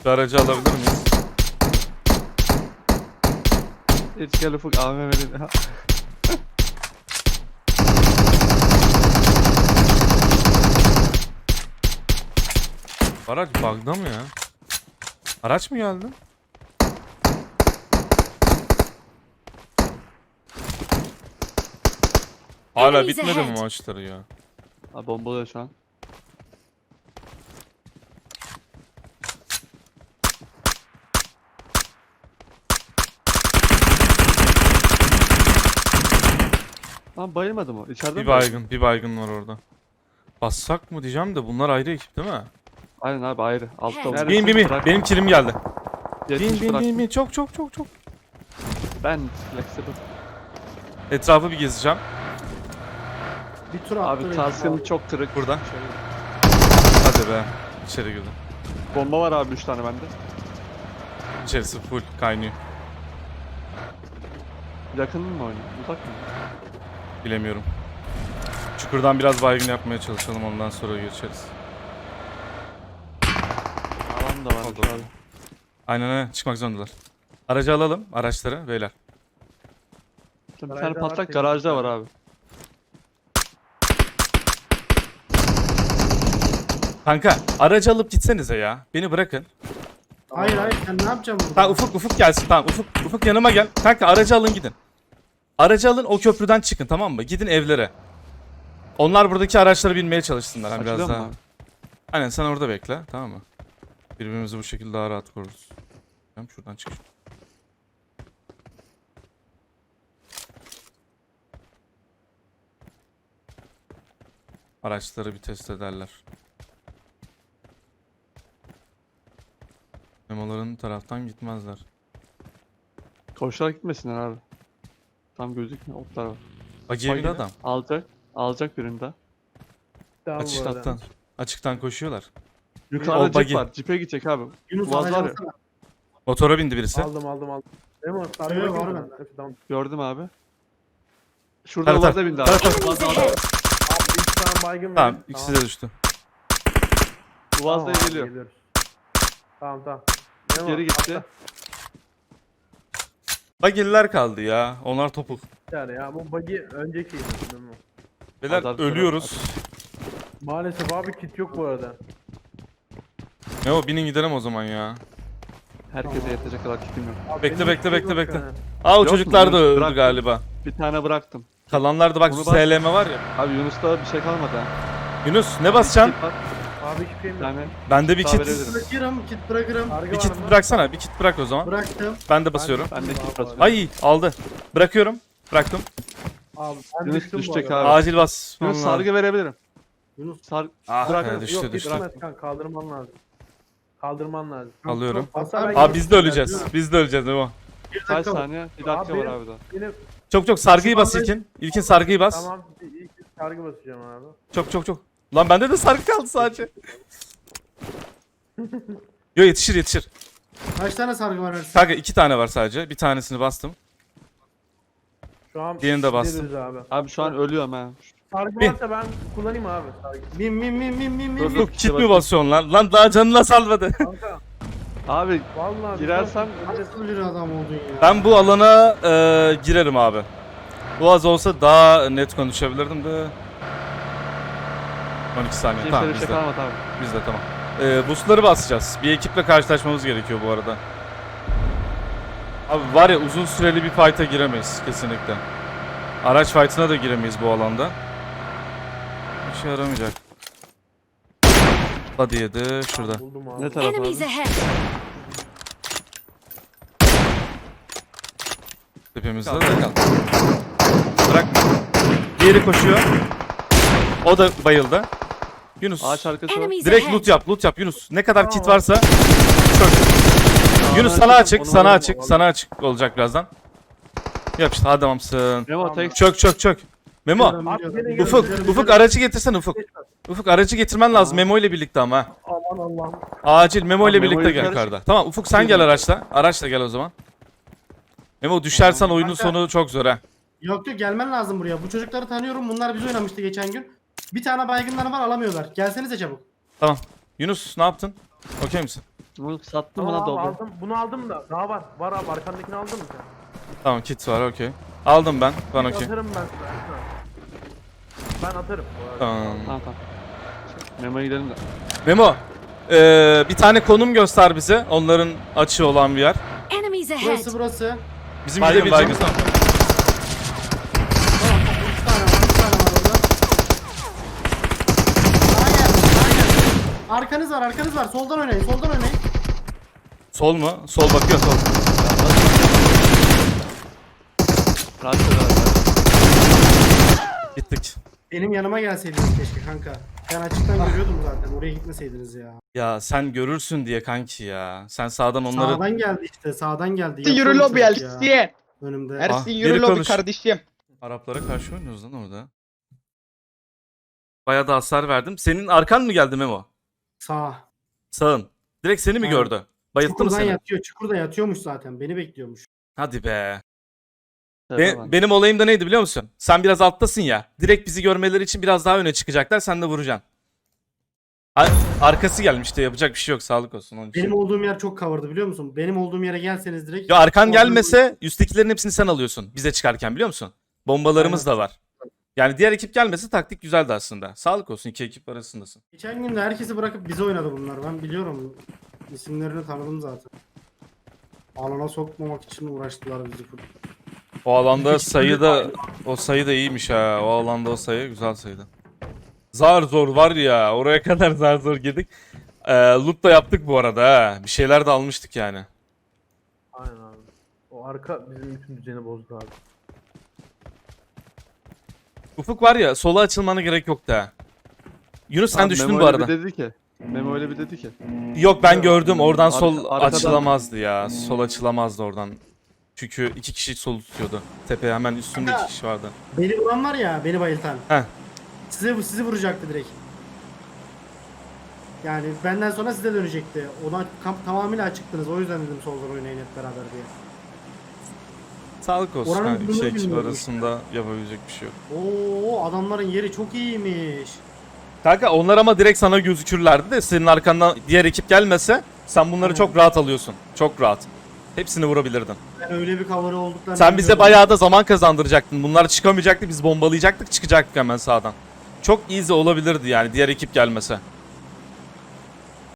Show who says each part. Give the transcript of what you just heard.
Speaker 1: Şu aracı alabilir miyiz?
Speaker 2: Hiç gel Ufuk AVM verin.
Speaker 1: Araç bug'da mı ya? Araç mı geldi? Hala
Speaker 3: Enemies
Speaker 1: bitmedi mi
Speaker 3: ahead.
Speaker 1: maçları ya?
Speaker 2: Abi bombalıyor şu an. Lan bayılmadı mı? İçeride
Speaker 1: Bir
Speaker 2: mi bayıldı?
Speaker 1: baygın, bir baygın var orada. Bassak mı diyeceğim de bunlar ayrı ekip değil mi?
Speaker 2: Aynen abi ayrı. Altta
Speaker 3: Nerede?
Speaker 2: var.
Speaker 1: Bin bin bin. Benim kilim geldi.
Speaker 2: 70
Speaker 1: Bin
Speaker 2: bıraktım.
Speaker 1: bin. Çok çok çok çok.
Speaker 2: Ben flexible.
Speaker 1: Etrafı bir gezeceğim.
Speaker 4: Bir tur attı.
Speaker 2: Abi
Speaker 4: beni.
Speaker 2: taskim çok kırık.
Speaker 1: Burada.
Speaker 2: Şöyle.
Speaker 1: Hadi be. İçeri girdim.
Speaker 2: Bomba var abi 3 tane bende.
Speaker 1: İçerisi full kaynıyor.
Speaker 2: Yakın mı oynuyor? Uzak mı?
Speaker 1: Bilemiyorum. Çukurdan biraz baygın yapmaya çalışalım, ondan sonra geçeriz.
Speaker 2: Alan da var
Speaker 1: Oldu.
Speaker 2: abi.
Speaker 1: Aynen aynen, çıkmak zorundalar. Aracı alalım, araçları beyler.
Speaker 2: Bir tane
Speaker 4: Garajda var,
Speaker 2: patlak
Speaker 4: tek
Speaker 2: garajda
Speaker 4: bir
Speaker 2: var abi.
Speaker 1: Kanka aracı alıp gitsenize ya. Beni bırakın.
Speaker 4: Hayır hayır sen ne yapacaksın burada?
Speaker 1: Tamam Ufuk gelsin, tamam Ufuk yanıma gel. Kanka aracı alın gidin. Aracı alın, o köprüden çıkın, tamam mı? Gidin evlere. Onlar buradaki araçlara binmeye çalışsınlar. Hani biraz
Speaker 2: Açılıyor mu
Speaker 1: daha.
Speaker 2: abi?
Speaker 1: Aynen, sen orada bekle, tamam mı? Birbirimizi bu şekilde daha rahat koruruz. Tamam, şuradan çık. Araçları bir test ederler. Memoların taraftan gitmezler.
Speaker 2: Koşarak gitmesinler abi. Tam gözükmüyor. Otlar var.
Speaker 1: Bagiye bir
Speaker 2: Bagine
Speaker 1: adam.
Speaker 2: Alacak. Alacak birinde.
Speaker 4: Tamam, bu arada.
Speaker 1: Açıktan koşuyorlar.
Speaker 2: Yukarıda
Speaker 1: O
Speaker 2: cip
Speaker 1: bagi.
Speaker 2: var. Cipe gidecek abi.
Speaker 4: Yunus
Speaker 2: Boğaz var ya.
Speaker 4: alacağım.
Speaker 1: Motora bindi birisi.
Speaker 5: Aldım. Değil mi?
Speaker 4: Evet, var bende.
Speaker 5: Tamam.
Speaker 2: Gördüm abi. Şurada
Speaker 1: Tara,
Speaker 2: Boğaz'a bindi abi.
Speaker 3: Enemies ahead.
Speaker 5: Abi 3 tane baygın
Speaker 1: Tamam,
Speaker 5: verin.
Speaker 1: ikisi de düştü.
Speaker 2: Boğaz'da
Speaker 5: Tamam abi,
Speaker 2: geliyor.
Speaker 5: geliyoruz. Tamam. Memo,
Speaker 2: Geri gitti.
Speaker 5: atla.
Speaker 1: Bagiller kaldı ya. Onlar topuk.
Speaker 5: Yani ya bu buggy önceki Memo.
Speaker 1: Beyler
Speaker 2: Azar-
Speaker 1: ölüyoruz.
Speaker 5: Maalesef abi kit yok bu arada.
Speaker 1: Ne o, binin gidelim o zaman ya.
Speaker 2: Herkese yetecek kadar kitim yok.
Speaker 5: Abi
Speaker 1: Bekle,
Speaker 5: benim
Speaker 1: bekle,
Speaker 5: kit
Speaker 1: bekle,
Speaker 5: yok
Speaker 1: bekle.
Speaker 5: yani.
Speaker 1: Aa, o
Speaker 2: Yok mu?
Speaker 1: çocuklar da
Speaker 2: Yok,
Speaker 1: öldü
Speaker 2: bıraktım.
Speaker 1: galiba.
Speaker 2: Bir tane bıraktım.
Speaker 1: Kalanlar da bak,
Speaker 2: Onu
Speaker 1: şu
Speaker 2: bas.
Speaker 1: SLM var ya.
Speaker 2: Abi Yunus'ta bir şey kalmadı ha.
Speaker 1: Yunus ne basacaksın?
Speaker 2: Kit var.
Speaker 5: Abi hiçbir şeyim
Speaker 2: Bir
Speaker 5: yok.
Speaker 2: tane.
Speaker 1: Bende bir
Speaker 2: Daha
Speaker 1: kit.
Speaker 2: verebilirim.
Speaker 4: Bırakırım, kit bırakırım.
Speaker 5: Sargı
Speaker 1: Bir
Speaker 5: var
Speaker 1: kit
Speaker 5: mı?
Speaker 1: bıraksana. Bir kit bırak o zaman.
Speaker 4: Bıraktım.
Speaker 1: Ben de basıyorum.
Speaker 2: Ben de kit
Speaker 5: Abi,
Speaker 2: basıyorum.
Speaker 1: Ay aldı. Bırakıyorum. Bıraktım.
Speaker 5: Abi ben
Speaker 2: Yunus
Speaker 5: düştüm bu
Speaker 2: düşecek
Speaker 5: arada.
Speaker 2: abi.
Speaker 1: Acil bas.
Speaker 2: Yunus sargı verebilirim.
Speaker 4: Yunus
Speaker 1: Ah
Speaker 5: Bırak,
Speaker 1: be, düştü
Speaker 5: yok,
Speaker 1: düştü.
Speaker 5: gitmez kanka, kaldırman lazım. Kaldırman lazım.
Speaker 1: Alıyorum.
Speaker 5: Hatta ben
Speaker 1: Abi biz de
Speaker 5: gittim,
Speaker 1: öleceğiz.
Speaker 5: değil mi?
Speaker 1: Biz de öleceğiz Memo.
Speaker 4: bir
Speaker 2: Kaç
Speaker 4: dakika.
Speaker 2: saniye? Bir dakika
Speaker 5: Abi
Speaker 2: var
Speaker 5: benim-
Speaker 2: abi daha.
Speaker 5: Benim
Speaker 1: Çok sargıyı bas İlkin. İlkin sargıyı bas.
Speaker 5: tamam ilk sargı basacağım abi.
Speaker 1: Çok. Lan bende de sargı kaldı sadece. Yo, yetişir.
Speaker 4: Kaç tane sargı var Ersin?
Speaker 1: Kanka 2 tane var sadece. Bir tanesini bastım.
Speaker 5: Şu an
Speaker 1: Diğerini de bastım.
Speaker 5: gideriz abi.
Speaker 2: Abi şu an ölüyorum ha.
Speaker 5: Sargı
Speaker 1: Bin.
Speaker 5: varsa ben kullanayım abi sargı.
Speaker 4: Bin.
Speaker 2: Dur, dur.
Speaker 1: Ufuk kit mi basıyorsun lan? Lan daha canına salmadı.
Speaker 5: Kanka
Speaker 2: Abi
Speaker 5: vallahi
Speaker 2: girersem
Speaker 4: Nasıl bir adam oldun ya?
Speaker 1: Ben bu alana girerim abi. Bu az olsa daha net konuşabilirdim de. 12 saniye.
Speaker 2: kimse
Speaker 1: Tamam
Speaker 2: bir şey
Speaker 1: bizde.
Speaker 2: kalmadı abi.
Speaker 1: Bizde tamam. Boostları basacağız. Bir ekiple karşılaşmamız gerekiyor bu arada. Abi var ya, uzun süreli bir fight'a giremeyiz kesinlikle. Araç fight'ına da giremeyiz bu alanda. Bir şey yaramayacak. Hadi yedi şurada.
Speaker 5: buldum abi.
Speaker 2: Ne taraf
Speaker 3: Enemies
Speaker 2: abi?
Speaker 3: ahead.
Speaker 1: Tepemizde de kal. Bırakma. Diğeri koşuyor. O da bayıldı. Yunus.
Speaker 2: Ağaç arkası var.
Speaker 3: Enemies
Speaker 1: Direkt
Speaker 3: ahead.
Speaker 1: loot yap Yunus. Ne kadar kit varsa çok. Yunus sana açık, sana açık olacak birazdan. Yap işte, hadi adamsın.
Speaker 2: Memo tek
Speaker 1: Çök. Memo,
Speaker 5: Abi gelin,
Speaker 1: Ufuk aracı getirsen Ufuk. Ufuk aracı getirmen lazım Memo ile birlikte ama. ha.
Speaker 5: Aman Allah'ım.
Speaker 1: Acil Memo ile
Speaker 2: Tamam,
Speaker 1: birlikte
Speaker 2: Memo'yu
Speaker 1: gel
Speaker 2: karış-
Speaker 1: karda. Tamam Ufuk sen gel araçla. Araçla gel o zaman. Memo düşersen oyunun
Speaker 4: Kanka.
Speaker 1: sonu çok zor ha.
Speaker 4: Yok gelmen lazım buraya. Bu çocukları tanıyorum. Bunlar biz oynamıştı geçen gün. Bir tane baygınları var alamıyorlar. Gelsenize çabuk.
Speaker 1: Tamam. Yunus ne yaptın? Okey misin?
Speaker 2: Bunu sattım
Speaker 5: Tamam
Speaker 2: buna
Speaker 5: abi
Speaker 2: doldu.
Speaker 5: aldım. Bunu aldım da. Daha var. Var abi arkandakini aldın mı sen?
Speaker 1: Tamam kit var okey. Aldım ben. Ben
Speaker 5: Kit
Speaker 1: okey.
Speaker 5: Atarım ben sana. Ben atarım. bu arada.
Speaker 1: Tamam.
Speaker 2: Tamam tamam. Memo'ya gidelim de.
Speaker 1: Memo. Bir tane konum göster bize. Onların açığı olan bir yer.
Speaker 3: Enemies ahead!
Speaker 4: Burası.
Speaker 1: Bizim
Speaker 2: Baygın,
Speaker 1: gidebileceğimiz...
Speaker 4: Tamam. 3 tane var. 3 tane var orada. Sağa geldi. Sağa geldi. Arkanız var. Soldan oynayın. Soldan oynayın.
Speaker 1: Sol mu? Sol bakıyor sol.
Speaker 2: Rahat ol abi.
Speaker 1: Gittik.
Speaker 4: Benim yanıma gelseydiniz keşke kanka. Ben açıktan görüyordum zaten. Oraya gitmeseydiniz ya.
Speaker 1: Ya sen görürsün diye kanki ya. Sen sağdan onları...
Speaker 4: Sağdan geldi işte. Sağdan geldi.
Speaker 6: Yürü
Speaker 4: Yapıyor
Speaker 6: lobi
Speaker 4: çocuk ya.
Speaker 6: Elsiye.
Speaker 4: Önümde.
Speaker 1: Ah,
Speaker 6: Ersin
Speaker 1: biri
Speaker 6: yürü lobi
Speaker 1: konuş.
Speaker 6: kardeşim.
Speaker 1: Araplara karşı oynuyoruz lan orada. Bayağı da hasar verdim. Senin arkan mı geldi Memo?
Speaker 4: Sağ.
Speaker 1: Sağın. Direkt seni mi
Speaker 4: Ha.
Speaker 1: gördü? Bayılttı mı
Speaker 4: Çukurdan
Speaker 1: seni?
Speaker 4: yatıyor. Çukurda yatıyormuş zaten. Beni bekliyormuş.
Speaker 1: Hadi be.
Speaker 2: Tepe var.
Speaker 1: Benim olayım da neydi biliyor musun? Sen biraz alttasın ya. Direkt bizi görmeleri için biraz daha öne çıkacaklar. Sen de vuracaksın. Arkası gelmişti. Yapacak bir şey yok. Sağlık olsun onun için.
Speaker 4: Benim olduğum yer çok cover'dı biliyor musun? Benim olduğum yere gelseniz direkt.
Speaker 1: Ya arkan
Speaker 4: Oradan-
Speaker 1: gelmese üsttekilerin hepsini sen alıyorsun. Bize çıkarken biliyor musun? Bombalarımız da var. Yani diğer ekip gelmese taktik güzeldi aslında. Sağlık olsun, iki ekip arasındasın.
Speaker 4: Geçen gün de herkesi bırakıp bize oynadı bunlar. Ben biliyorum. İsimlerini tanıdım zaten. Alana sokmamak için uğraştılar bizi.
Speaker 1: O alanda
Speaker 4: İki
Speaker 1: sayı da o sayı da iyiymiş ha. O alanda o sayı güzel sayıydı. Zar zor var ya. Oraya kadar zar zor girdik. Loot da yaptık bu arada ha. Bir şeyler de almıştık yani.
Speaker 5: Aynen abi. O arka bizim bütün düzeni bozdu abi.
Speaker 1: Ufuk var ya, sola açılmana gerek yok da. Yunus sen
Speaker 2: Abi
Speaker 1: düştün
Speaker 2: Memo
Speaker 1: bu
Speaker 2: öyle
Speaker 1: arada.
Speaker 2: bir dedi ki. Memo öyle bir dedi ki.
Speaker 1: Yok ben gördüm. Oradan sol
Speaker 2: arkadan-
Speaker 1: açılamazdı ya. Sol açılamazdı oradan. Çünkü iki kişi sol tutuyordu. Tepe hemen üstünde iki kişi vardı.
Speaker 4: Beni vuran var ya, beni bayıltan.
Speaker 1: Heh.
Speaker 4: Sizi vuracaktı direkt. Yani benden sonra size dönecekti. Ona tamamıyla açıktınız. O yüzden dedim soldan oynayın hep beraber diye.
Speaker 1: Sağlık olsun.
Speaker 4: Oranın
Speaker 1: Ha, iki
Speaker 4: durumunu
Speaker 1: ekip
Speaker 4: bilmiyorum.
Speaker 1: arasında yapabilecek bir şey yok.
Speaker 4: Oo, adamların yeri çok iyiymiş.
Speaker 1: Kanka onlar ama direkt sana gözükürlerdi de senin arkandan diğer ekip gelmese sen bunları çok rahat alıyorsun. Çok rahat. Hepsini vurabilirdin.
Speaker 4: Ben öyle bir cover'ı olduklarını
Speaker 1: Sen bize
Speaker 4: bilmiyordum.
Speaker 1: bayağı da zaman kazandıracaktın. Bunlar çıkamayacaktı. Biz bombalayacaktık, çıkacaktık hemen sağdan. Çok easy olabilirdi yani diğer ekip gelmese.